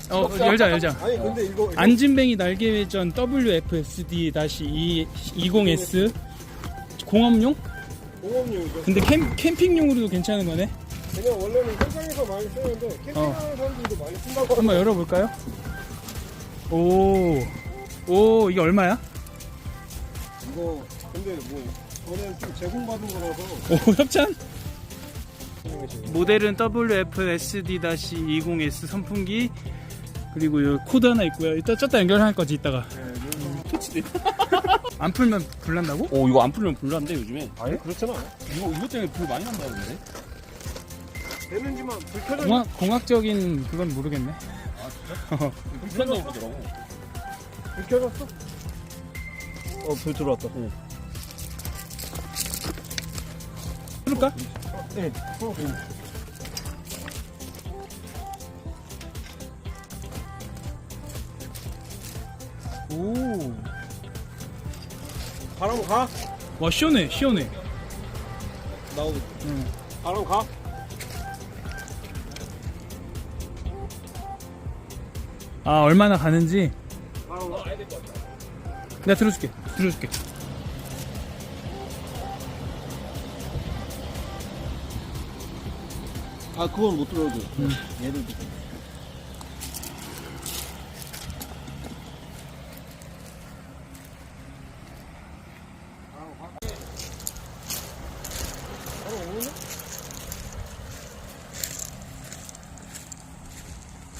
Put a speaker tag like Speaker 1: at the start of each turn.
Speaker 1: 열자.
Speaker 2: 아니 근데 이거
Speaker 1: 안진뱅이 날개회전 WFSD-20S 공업용?
Speaker 2: 공업용이죠.
Speaker 1: 근데 캠핑용으로도 괜찮은 거네.
Speaker 2: 그냥 원래는 현장에서 많이 쓰는데 캠핑하는 사람들도 많이 쓴다고.
Speaker 1: 한번 열어볼까요? 오, 이게 얼마야?
Speaker 2: 이거 근데 뭐 저는 좀 제공받은 거라서.
Speaker 1: 오, 협찬? 모델은 WFSD-20S 선풍기, 그리고 요 코드 하나 있고요. 이따 쪘다 연결할 거지 이따가.
Speaker 3: 터치돼.
Speaker 1: 안 풀면 불난다고?
Speaker 3: 오, 이거 안 풀면 불난데 요즘에.
Speaker 2: 아니 그렇잖아.
Speaker 3: 이거 때문에 불 많이 난다는데.
Speaker 2: 되는지만 불 켜져.
Speaker 1: 공학적인 그건 모르겠네.
Speaker 3: 불 난다고 그러더라고.
Speaker 2: 불 켜졌어? 불 들어왔다.
Speaker 1: 풀까?
Speaker 2: 네.
Speaker 1: 오,
Speaker 2: 바람 가?
Speaker 1: 와 시원해.
Speaker 2: 나오고.
Speaker 1: 응.
Speaker 2: 바람 가?
Speaker 1: 아 얼마나 가는지
Speaker 2: 바람 가?
Speaker 1: 내가 들어줄게.
Speaker 2: 아 그건 못 들어도. 얘를